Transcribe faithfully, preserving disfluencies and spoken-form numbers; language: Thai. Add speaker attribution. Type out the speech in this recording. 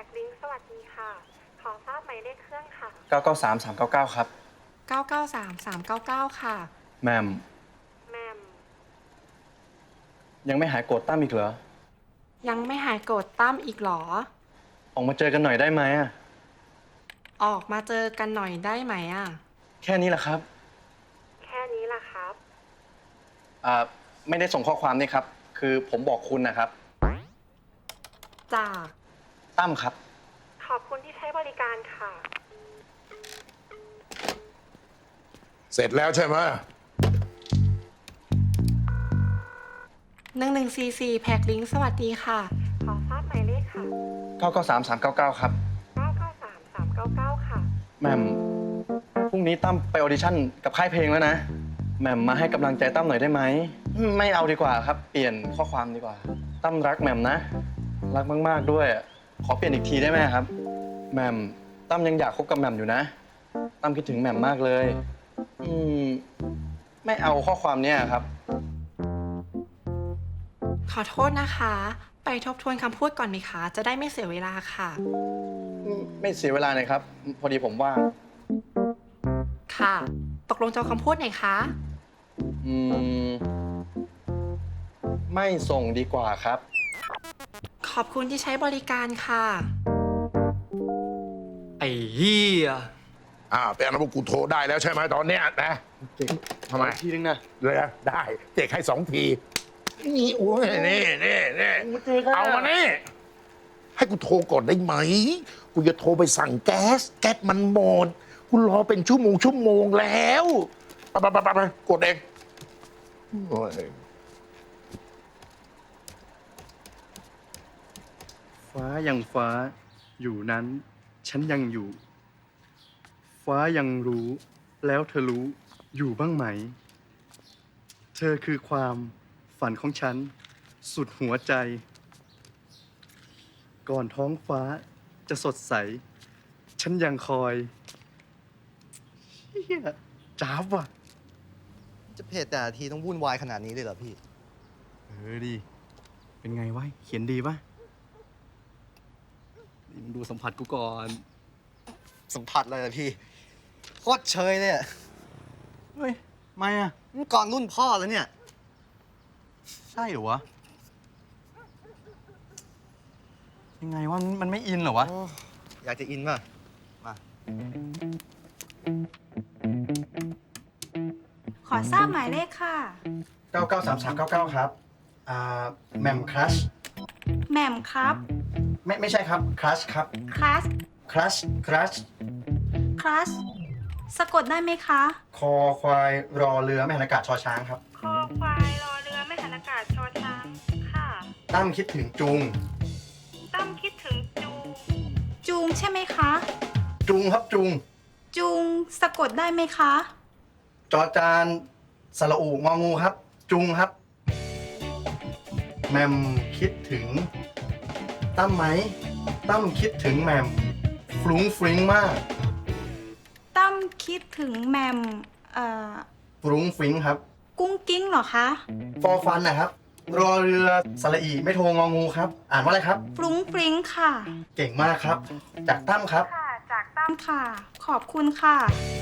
Speaker 1: กลิงก์สวัสดีค่ะ ขอทราบหมายเลขเครื่องค่ะ
Speaker 2: เก้าเก้าสามสามเก้าเก้าครับ
Speaker 3: เก้าเก้าสามสามเก้าเก้าค่ะ
Speaker 2: แหม่ม
Speaker 1: แมม
Speaker 2: ยังไม่หายโกรธตั้มอีกเหรอ
Speaker 3: ยังไม่หายโกรธตั้มอีกเหรอ
Speaker 2: ออกมาเจอกันหน่อยได้ไหมอะ
Speaker 3: ออกมาเจอกันหน่อยได้ไหมอ่ะ
Speaker 2: แค่นี้แหละครับ
Speaker 1: แค่นี้ล่ะครับ
Speaker 2: อ่าไม่ได้ส่งข้อความนี่ครับ คือผมบอกคุณนะครับ
Speaker 3: จาก
Speaker 2: ตั้มครับ
Speaker 1: ขอบคุณที่ใช้บริการค่ะ
Speaker 4: เสร็จแล้วใช่ไหม
Speaker 3: หนึ่งหนึ่งซีซีแพ็กลิงก์สวัสดีค่ะ
Speaker 1: ขอทราบหมายเลขค่ะ
Speaker 2: เก้าเก้าสามสามเก้าเก้าครับ
Speaker 1: เก้าเก้าสามสามเก้าเก้าค่ะ
Speaker 2: แหม่มพรุ่งนี้ตั้มไปออดิชั่นกับค่ายเพลงแล้วนะแหม่มมาให้กำลังใจตั้มหน่อยได้ไหมอืมไม่เอาดีกว่าครับ เปลี่ยนข้อความดีกว่า ตั้มรักแหม่มนะ รักมากๆด้วย ขอเปลี่ยนอีกทีได้ไหมครับแหม่มตั้มยังอยากคบกับแหม่มอยู่นะตั้มคิดถึงแหม่มมากเลยอืมไม่เอาข้อความเนี้ยครับ
Speaker 3: ขอโทษนะคะ ไปทบทวนคำพูดก่อนไหมคะ จะได้ไม่เสียเวลาค่ะ
Speaker 2: ไม่เสียเวลาเลยครับ พอดีผมว่าง
Speaker 3: ค่ะ ตกลงจะเอาคำพูดไหนคะ
Speaker 2: อืมไม่ส่งดีกว่าครับ
Speaker 3: ขอบคุณที่ใช้บริการค่ะ
Speaker 5: ไอ้เหี้ย
Speaker 4: อ่าเป็นอนุบุกูโทรได้แล้วใช่ไหมตอนเนี้ยนะทำไม
Speaker 2: ทีนึงนะ
Speaker 4: เลยนะได้เจ๊กให้สองทีนี่โอ้ยนี่นี่นี่เอามานี่ให้กูโทรก่อนได้ไหมกูจะโทรไปสั่งแก๊สแก๊สมันหมดกูรอเป็นชั่วโมงชั่วโมงแล้วไปไปไปไปกดเองโอ้ย
Speaker 2: ฟ้ายังฟ้าอยู่นั้น ฉันยังอยู่ ฟ้ายังรู้แล้วเธอรู้อยู่บ้างไหม เธอคือความฝันของฉัน สุดหัวใจ ก่อนท้องฟ้าจะสดใส ฉันยังคอยเฮียจ้าบว่ะ
Speaker 5: จะเพจแต่ละทีต้องวุ่นวายขนาดนี้เลยเหรอพี่
Speaker 2: เออดี เป็นไงวะ เขียนดีปะนี่มึงดูสัมผัสกูก่อน
Speaker 5: สัมผัสเลยเหรอพี่ โคตรเชยเลยอะ
Speaker 2: เฮ้ย ไม่อะ
Speaker 5: มันก่อนรุ่นพ่อแล้วเนี่ย
Speaker 2: ใช่เหรอวะ ยังไงวะ มันไม่อินเหรอวะ
Speaker 5: โอ้อยากจะอินป่ะ มา
Speaker 6: ขอทราบหมายเลขค่ะ
Speaker 2: เก้าเก้าสามสามเก้าเก้าครับ อ่าแมมครัช
Speaker 6: แหม่มครับ
Speaker 2: ไม่ไม่ใช่ครับครัชครับ
Speaker 6: คลาส
Speaker 2: ครัชครัช
Speaker 6: คลาสสะกดได้ไหมคะ
Speaker 2: คอควายรอเรือไม่หันอากาศชอช้างครับ
Speaker 1: คอควายรอเรือไม่หันอากาศชอช้างค่ะ
Speaker 2: ตั้มคิดถึงจุง
Speaker 1: ตั้มคิดถึงจู
Speaker 6: จูงใช่ไหมคะ
Speaker 2: จุงครับจุง
Speaker 6: จูงสะกดได้ไหมคะ
Speaker 2: จอจานสระอูงองูครับ จุงครับ แมมคิดถึง ตั้มไหม ตั้มคิดถึงแมมฟรุ้งฟริ้งมาก
Speaker 6: ตั้มคิดถึงแหมมเอ่อ
Speaker 2: ฟรุ้งฟริ้งครับ
Speaker 6: กุ้งกิ้งเหรอคะ
Speaker 2: ฟอฟันนะครับ รอเรือสระอีไม่โทงองูครับ อ่านว่าอะไรครับ
Speaker 6: ฟรุ้งฟริ้งค่ะ
Speaker 2: เก่งมากครับ จากตั้มครับ
Speaker 1: ค่ะ จากตั้
Speaker 6: ตั้
Speaker 1: ม
Speaker 6: มค่ะ ขอบคุณค่ะ